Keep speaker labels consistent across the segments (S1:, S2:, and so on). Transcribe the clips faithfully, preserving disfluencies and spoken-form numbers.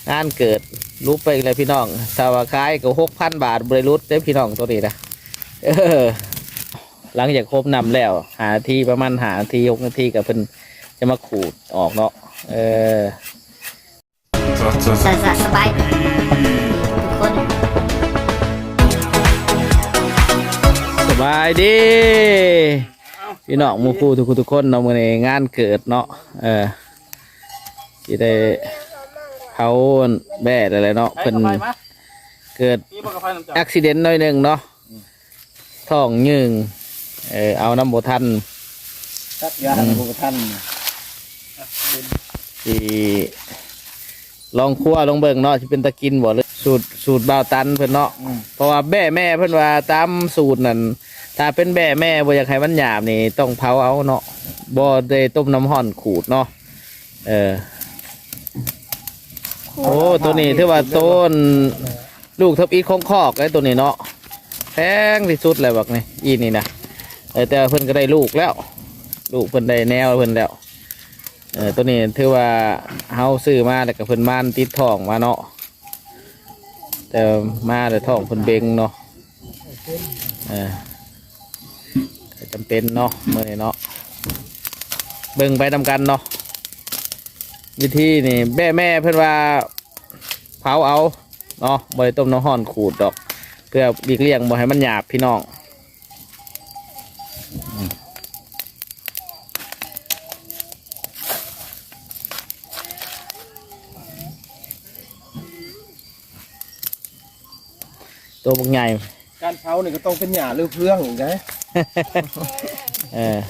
S1: งานเกิดรูปไปเลยพี่น้องถ้าว่าขายก็หกพันบาทบริรุษได้พี่น้องตัวนี้นะเออหลังจากครบนำแล้วหาทีประมาณหาทีหกนาทีกับเพิ่นจะมาขูดออกเนาะเออ
S2: สบายสบายทุกคน
S1: สบายดีพี่น้องมูคูทุกทุกคนเนาะมื้อนี้งานเกิดเนาะเออที่ได้เขาแบ่อะไรเนาะเพิ่นเกิดอุบิเหตุหน่อยหนึ่งเนาะท้องยืงเออเอาน้ำโบทัน
S3: ตัดยาโบทัน
S1: ที่ลองคั่วลองเบิ่งเนาะที่เป็นตะกินบ่เลยสูตรสูตรบ่าวตันเพิ่นเนาะเพราะว่าแบ่แม่เพิ่นว่าตามสูตรนั่นถ้าเป็นแบ่แม่บ่อยากให้มันหยาบนี่ต้องเผาเอาเนาะบ่ได้ต้มน้ำร้อนขูดเนาะเออโอ้ตัวนี้ถือว่าต้นลูกทับอีของคอกไอ้ตัวนี้เนาะแพงที่สุดเลยบักนี่อีนี่นะเออแต่เพิ่นก็ได้ลูกแล้วลูกเพิ่นได้แนวเพิ่นแล้วเออตัวนี้ถือว่าเฮาซื้อมาแล้วก็เพิ่นม่านติดท้องมาเนาะแต่มาแต่ท้องเพิ่นเบ่งเนาะเออจำเป็นเนาะเมื่อนี้เนาะเบิ่งไปทำกันเนาะวิธีนี่แม่แม่เพื่อนว่าเผาเอาเนาะบริต้มน้ำห้อนขูดดอกเพื่อบีกเลี่ยงบ่ให้มันหยาบพี่น้องตัวพวกใหญ่
S3: การเผาเนี่ยก็ต้องเป็นหญ้าหรือเพื่องนะ
S1: เออ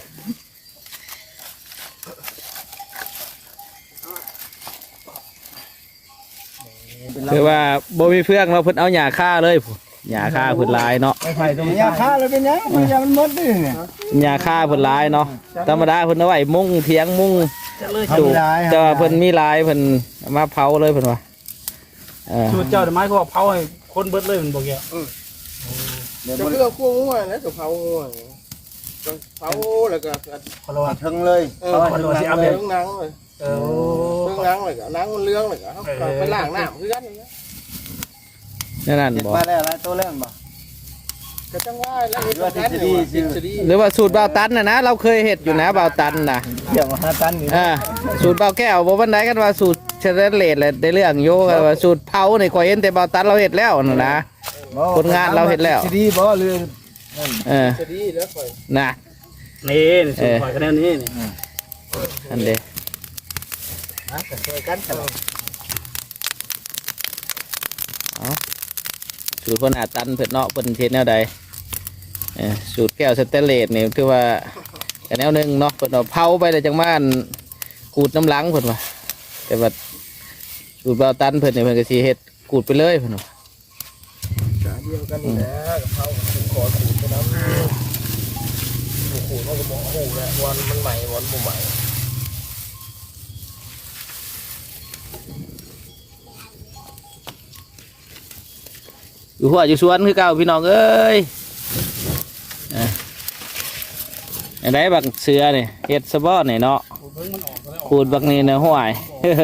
S1: คือว่าบ่มีเพื่องเราเพิ่นเอาหญ้าฆ่าเลยหญ้าฆ่าเพิ่นลายเนาะ
S3: ไผ่ตรงหญ้าฆ่าเลยเป็นยังมันยังมันหมดเลยเนี่ย
S1: หญ้าฆ่าเพิ่นลายเนาะธรรมดาเพิ่นเอาไว้มุ้งเถียงมุ้งสูบแต่ว่าเพิ่นมีลายเพิ่นมาเผาเลยเพิ่นว่า
S4: สูตรเจ้าไม้เขาเผาให้คนเบิดเลยมันบอกแก
S3: จะเพื่อคั่วง่วยนะจะเผาง่วยเผาแล้วก็พลวัตทั้งเลย
S4: เผาพลวัตที่เอาไป
S3: ทั้งนังเลยเออทั้งนังเลยก็นังมันเลื้องเลยก็ไปล้างน้ำคือกัน
S1: นั่นนั่นบอก
S3: มาแล้วอะไรตัวแรกบ่ก็จังว่าแล้วเห็ดว่าทฤษฎี
S1: หรือว่าสูตรบ่าวตันนะนะเราเคยเห็ดอยู่นะบ่าวตันนะ
S3: เดี๋ยวมาตันนี่
S1: อ่าสูตรบ่าวแก้วบ่บันไดกันว่าสูตรเชลเลตเลยได้เรื่องโยกันว่าสูตรเผาในคอยเห็นแต่บ่าวตันเราเห็ดแล้วนะนะคนงานเราเห็ดแล้ว
S3: ทฤษฎีบ่เรื่อง
S1: เออ
S3: ทฤษฎีแล้วค่อย
S1: นะ
S4: นี่สูตรข่อยคะแนนนี้นี่
S1: อันเดียว
S3: ฮะช่วยกันกัน
S1: เอาสูตรคนอาตันเผ็ดเนาะเป็นเทนแนวใดสูตรแก้วสเตนเลสนี่คือว่าแนวหนึ่งเนาะเพิ่นเอาเผาไปเลยจังม่านขูดน้ำล้างเพิ่นว่าแต่ว่าสูตรบ่าวตันเพิ่นเนี่ยเพิ่นก็สิเฮ็ดขูดไปเลยเพิ่นว่า
S3: เดียวกันนี่แหละกับเผาขูดขอขูดไปน้ำขูดมันก็บอกหูแล้ววันมันใหม่วันบ่ใหม่
S1: อยู่หัวอยู่สวนคือเก่าพี่น้องเอ้ยอันไหนบักเสือเนี่ยเห็ดสะบอเนี่ยเนาะขูดบักนี่เนาะห่วยเฮ้อเ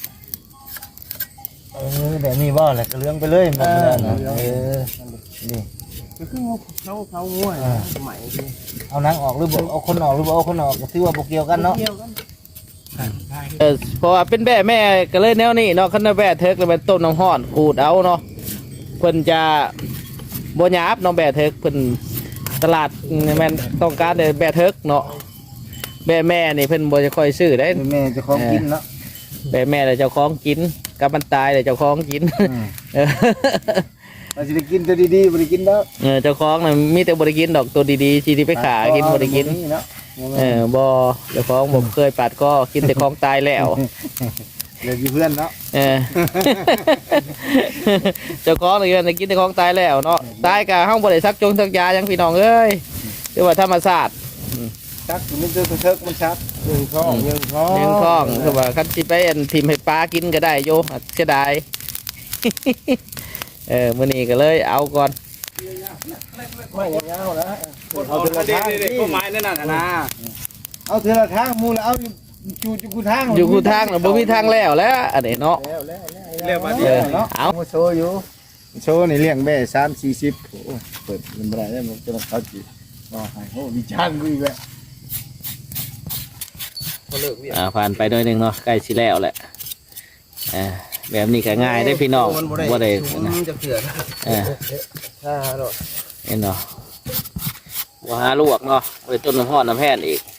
S3: ออแบบนี้บ่แหละก็เลี้ยงไปเลยมันนะเออนี่ก็คือเขาเขาง่วยใหม่เอานังออกหรือบ่เอาคนออกหรือบ่เอาคนออกก็ถือว่าบ่เกี่ยวกันเนาะ
S1: เออเพราะว่าเป็นแม่แม่ก็เลยแนวนี้เนาะคันแม่เทิกเลยเป็นต้มน้ำห้อนขูดเอาเนาะเพิ่นจะบ่หยาบน้องแบะเทิกเพิ่นตลาดแม่นต้องการแต่แบะเทิกเนาะแบะแม่นี่เพิ่นบ่จะค่อยซื้อได้
S3: แม่จะคล้องกินเนาะ
S1: แบะแม่เลยเจ้าของกินกับมันตายเลยเจ้าของกิน
S3: มันจะได้กินตัวดีๆบ่ได้กินดอก
S1: เออเจ้าของน่ะมีแต่บ่ได้กินดอกตัวดีๆที่ไปขายกินบ่ได้กินเออบ่เจ้าของบ่เคยปาดคอกินแต่ของตายแล้ว
S3: เลยเพื่อนเนาะ
S1: เออเจ้าของเลยกินแต่ของตายแล้วเนาะตายกะห้องบริษัทจงสักยายังพี่น้องเอ้ยเรียกว่าธรรมศาสตร์
S3: ชักมันจะเทิกมันชักยิงท้องยิงท้อง
S1: ยิงท้องคือว่าคันสิไปอันทิมให้ปลากินก็ได้โยเสียดายเออมื้อนี้ก็เลยเอาก่อน
S3: ไม่ยาวๆนะ
S4: เอาเทละทางก็ไม้นั่นน่ะนะ
S3: เอาเทละทางมูแล้วเอาอยู่อยู่กูทาง
S1: อยู่กูทางบ่มีทางแล้วแล้วอันนี้เนาะ
S4: เรียกว่า
S1: เอ
S4: เดียว
S1: อ
S4: เนาะ
S1: เอา
S3: โชว์อยู่โชว์ในเลี้ยงแม่สามสี่สิบโอ้เปิดมันบ่ได้แล้วมันจะต้องเขาจีรอให้โอ้มีช่างกูอีกแล้ว
S1: อ่าผ่านไปหน่อยหนึงเนาะใกล้สิแล้วแหละอ่าแบบนี้ก็ง่ายได้อพี่น้องบ่ได้นะ
S3: จะเถื่อน
S1: เออ
S3: ถ้าหรอก
S1: เห็นเนาะว่าหาลวกเนาะไปต้นน้ำห้อนน้ำแพนอีก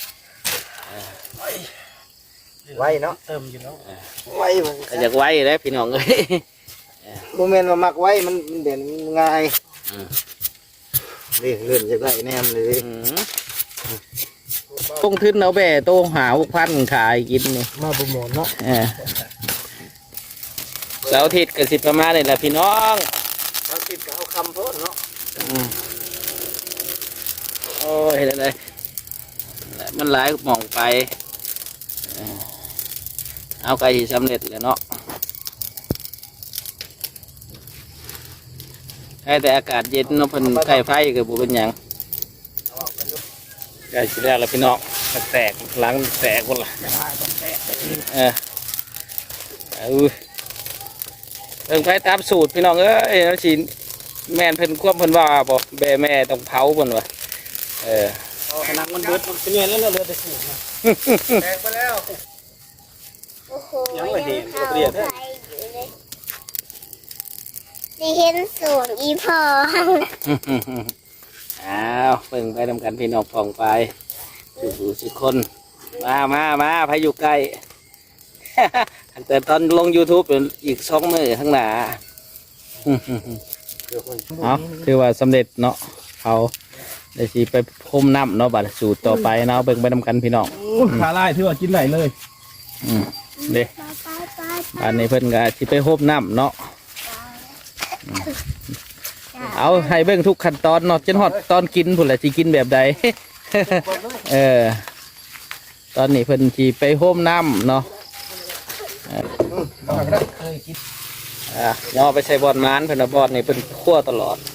S3: ไว้เนาะ
S4: เติมอยู่แล้ว
S3: ไว้มัน
S1: ก็อยากไว้เลยพี่น้องเอ้ย
S3: โมเมนต์ว่ามักไว้มันมันเด่นง่าย
S1: อืม
S3: นี่เลื่อนจากได้แนมเลย
S1: อืมต้องทึนเอาแบ่โต้หาหกพันขายกินนี่
S3: มาโปรโมทเนาะ
S1: เออเสาร์อาทิตย์ก็สิประมาณนี่แหละพี่น้อง
S3: เอาติดกับเอาคำโพดเนาะ
S1: อืมโอ้ยเห็นอะไรมันหลายหมองไปเออเอาไก่สำเร็จเลยเนาะแค่แต่อากาศเย็นเนาะเพิ่นไก่ไฟก็บ่เป็นหยังไก่สิแล้วล่ะพี่น้องแตกหลังแตกหมดละเออเอาเพิ่งไปตามสูตรพี่น้องเอ้ยแล้วสิแม่นเพิ่นควบเพิ่นว่าบ่แบ่แม่ต้องเผาเพิ่นว่าเออ
S4: ขนาดมันเบิดมันเป็นยังไงแล้วเราเหลือแต่สูตรนะ
S3: แตกไปแล้ว
S2: โอ้โหยังเข้าไปอยู่เลยได้เห็นสูงอีพอ
S1: อ้าวเพิ่งไปทำกันพี่น้องฟองไปสู่สิคนมามามาพายุใกล้ แต่ตอนลง YouTube เป็นอีกสองมือข้างหน้า เอาคือว่าสำเร็จเนาะเขาได้สิไปพรมน้ำเนาะบัดสูตรต่อไปเนาะเบิ่งไปทำกันพี่น้อง
S4: ขาไล่ที่ว่ากินไหลเลย
S1: อืมเด้อันนี้เพิ่นก็สิไปพรมน้ำเนาะอืมเอาให้เบิ่งทุกขั้นตอนเนาะจนฮอดตอนกินพุ่นแหละสิกินแบบใด เออ ตอนนี้เพิ่นสิไปพรมน้ำเนาะ
S3: เคยคิด
S1: อ่ะย่อไปใส่บอลมานเพิ่นว่าบอลนี่เพิ่นคั่วตลอด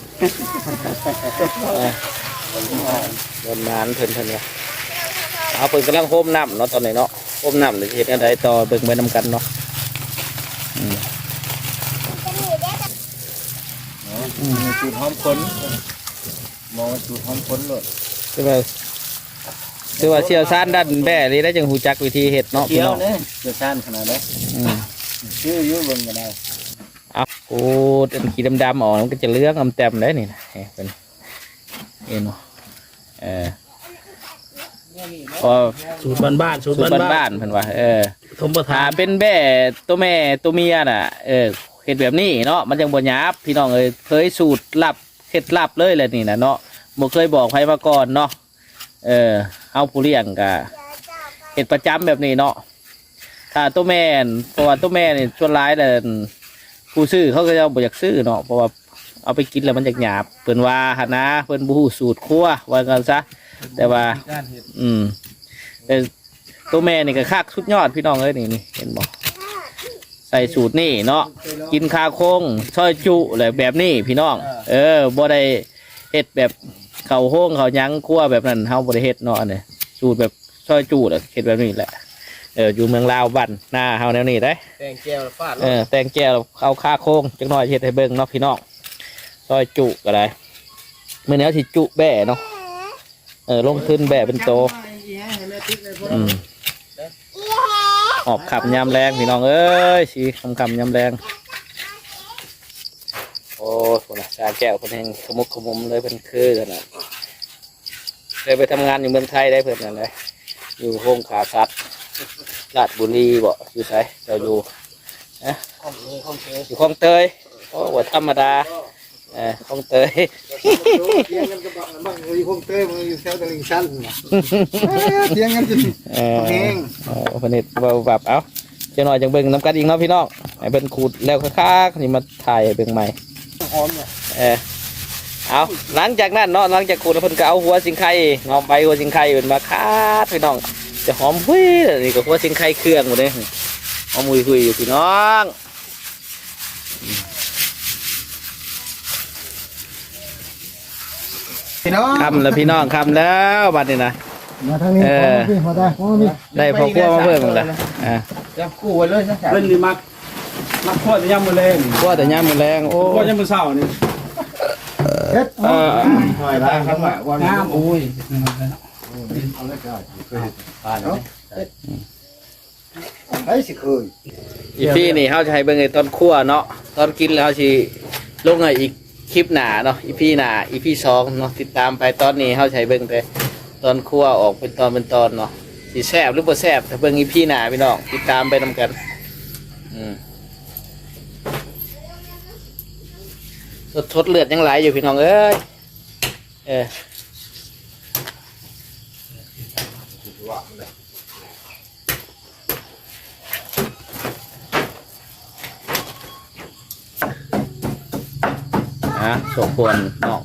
S1: เออบอลมานเพิ่นเพิ่นว่าเอาเพิ่นกำลังโฮมน้ำเนาะตอนนี้เนาะโฮมน้ำเดี๋ยวสิเฮ็ดอันใดต่อเบิ่งไปนำกันเนาะอืม
S3: สูตรหอมคนมองสูตรหอมคนเลย
S1: คือว่าคือว่าเชี่ยวชาญด้านแบ่นี่ได้จังฮู้จักวิธีเฮ็ดเนาะพี่
S3: เกี่ยว
S1: น้อง
S3: เนี่ยเกี่ยวชานขนาดนั้น
S1: อืม
S3: ชื่อยุ่งเบิ่งก็ได้
S1: เอาโอ้อันขีดำๆออกมันก็จะเหลืองอำแต้มได้นี่นะเฮ้ยเพิ่นเอ็นเนาะเออพอ
S4: สูตรบ้านๆสูตร
S1: สูตร
S4: บ้าน
S1: บ้านๆเพิ่นว่าเออ
S4: ๆทมประทา
S1: ถ้าน เป็นแบ่ตัวแม่ตัวเมียน่ะเออเห็ดแบบนี้เนาะมันจังบ่หยาบพี่น้องเอ้ยเคยสูตรลับเห็ดลับเลยแหละนี่นะเนาะบ่เคยบอกใครมาก่อนเนาะเออเอาผู้เลี้ยงกะเห็ดประจำแบบนี้เนาะถ้าตัวแม่นเพราะว่าตัวแม่นี่ส่วนร้ายแต่ผู้ซื้อเขาก็จะบ่อยากซื้อเนาะเพราะว่าเอาไปกินแล้วมันจะหยาบเพิ่นว่าหั่นนะเพิ่นบ่ฮู้สูตรครัวว่ากันซะแต่ว่า
S3: การเห็ด
S1: อืมแต่ตัวแม่นี่ก็คักสุดยอดพี่น้องเอ้ยนี่นี่เห็นบอกใส่สูตรนี่เนาะกินคาโคงซอยจุอะไรแบบนี้พี่น้อง เออบ่ได้เฮ็ดแบบเขาโค้งเขาหยั้งคั่วแบบนั้นเฮาบ่ได้เฮ็ดเนาะอันนี้สูตรแบบซอยจุแหละเฮ็ดแบบนี้แหละเอออยู่เมืองลาวบ้านหน้าเฮาแนวนี้ได้
S3: แตงแก้วฟาด
S1: เออแต่งแก้วเอาคาโคงจักหน่อยเฮ็ดให้เบิ่งเนาะพี่น้องซอยจุก็ได้มื้อนี้เอาสิจุแบ่เนาะเออลงทุนแบ่เป็นโต อืมออกขับยามแรงพี่น้องเอ้ยชีคำคำยามแรงโอ้โหนะชาแก้วเพิ่นแห่งขมุกขมุมเลยเพิ่นคือกันนะเคยไปทำงานอยู่เมืองไทยได้เพิ่นนั่นเลยอยู่โฮงขาสัตว์ราชบุรีบ่อยู่ไสเจ้าอยู่นะอยู่คลองเตยโอ้ว่าธรรมดาเออคลองเตย
S3: เทียงกันกับมันอยู่คงเต้มันอยู่แถวตลิ่งชันเทียงกันจน
S1: เออ
S3: แห้ง
S1: เออเพิ่นเฮ็ดเบาแบบเอ้าเจ้าหน่อยจังเบิ่งน้ำกันอีกเนาะพี่น้องให้เบิ่งขูดแล้วคักๆนี่มาถ่ายให้เบิ่งใหม่
S3: หอมเนี่ย
S1: เออเอาหลังจากนั้นเนาะหลังจากขูดแล้วเพิ่นก็เอาหัวสิงไข่งอมใบหัวสิงไข่เป็นมาคาดพี่น้องจะหอมหุ้ยนี่ก็หัวสิงไข่เครื่องหมดเลยหอมหุยหุยอยู่พี่น้อง
S3: พี่น้อง
S1: คำแล้วพี่น้องคำแล้วบัดนี้นะ
S3: มาทางนี้
S1: เออ
S3: มาได้มามี
S1: ได้พอคั่วมาเพิ่มแล้วอ่า
S3: จับคู่ไว้เลยสัก
S4: เล่นดีมากนักโทษจะย่ำมือแรง
S1: ว่าแต่ย่ามมือแรงโอ้
S4: โทษย่ำมือเศร้านี่
S3: เฮ็ด
S1: เออ
S3: หน่อยได้ครับว่า
S4: น้ำโอ้ย
S3: ไอ้สิเคย
S1: อีพี่นี่เขาจะให้เบิ่งไอ้ตอนคั่วเนาะตอนกินแล้วเขาสิลงให้อีกคลิปหนาเนาะอีพี่หนาอีพี่สองเนาะติดตามไปตอนนี้เขาจะให้เบิ่งแต่ตอนคั่วออกเป็นตอนเป็นตอนเนาะสิแซ่บหรือบ่แซ่บถ้าเบิ่งอีพี่หนาพี่น้องติดตามไปนำกันอืมสดทดเลือดยังไหลอยู่พี่น้องเอ้ยเอออ่ะสมควรเนาะ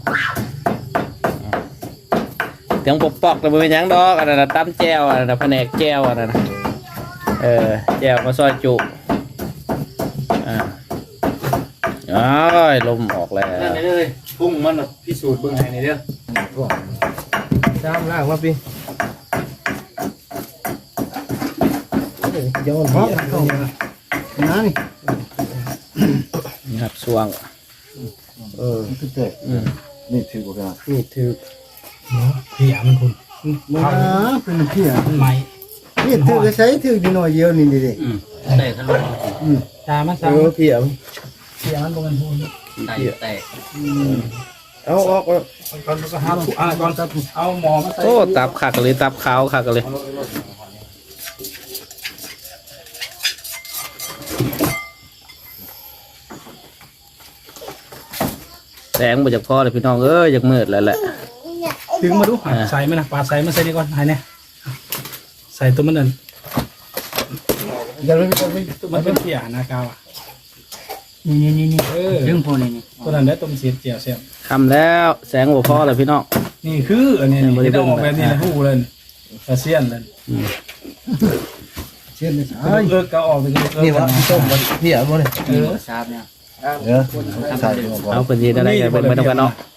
S1: เสียงปอกปอกแต่ไม่เป็นหยังดอกอันนั้นนะตั้มแจ้วอันนั้นนะแผนกแจ้วอันนั้นนะเออแจ้วมาซอยจุอ่าอ้ายลมออกแล้ว
S3: นั่นเลยพุ่งมันพิสูจน์เบิ่งให้นี่เด้อจ้ามล่างมาพี่เดี๋ยวมันเข้านั่น
S1: งัดสวง
S3: เออคือเตะ
S1: อืม
S3: นี่ถือบ่กันนี่ถือ
S4: เพียมันคุณ
S3: มาเป็นเพีย
S4: มันไหม
S3: นี่ถือก็ใช้ถือนิดหน่อยเดียวนี่ดิ
S2: แตกทะลุ
S4: ตามันตา
S3: เออเพีย
S4: เพียมันบมันพูน
S2: แตกแตก
S3: เอาออก
S4: ก่อนก็หาอ่าก่อนเอาหมอมาใส่
S1: โอ้ตับขักเลยตับขาวขักเลยแสงมาจากพ่อเลยพี่น้องเอ้ยอยากมืดแล้วแหละ
S4: ดึงมาดูใส่มันนะปาดใส่มันใส่นี่ก่อนหายเนี่ยใส่ตัวมันนั่น
S3: อย่าเลย
S4: ตัวมันเป็นเพียนะกาวอ่ะ
S2: นี่นี่นี่นี่
S4: เออ
S2: เรื่องพวกนี้นี่
S4: ตัวนั้นได้ต้มเสียเจียวเสียบ
S1: คำแล้วแสงหัวพ่อเลยพี่น้อง
S4: นี่คืออันนี้นี่จะออกแบบนี้นะฮู้เลยกระเซียนเลย
S3: เช่นนี่
S4: เออเลิกก็ออกไปเลย
S3: นี่ว่าต้มเพียบ่นี่
S4: เออ
S2: ทราบเนี่ย
S3: เออใส่
S1: เอาเป็นยีนอะไรกันเป็นไม่ต้องกันเนาะ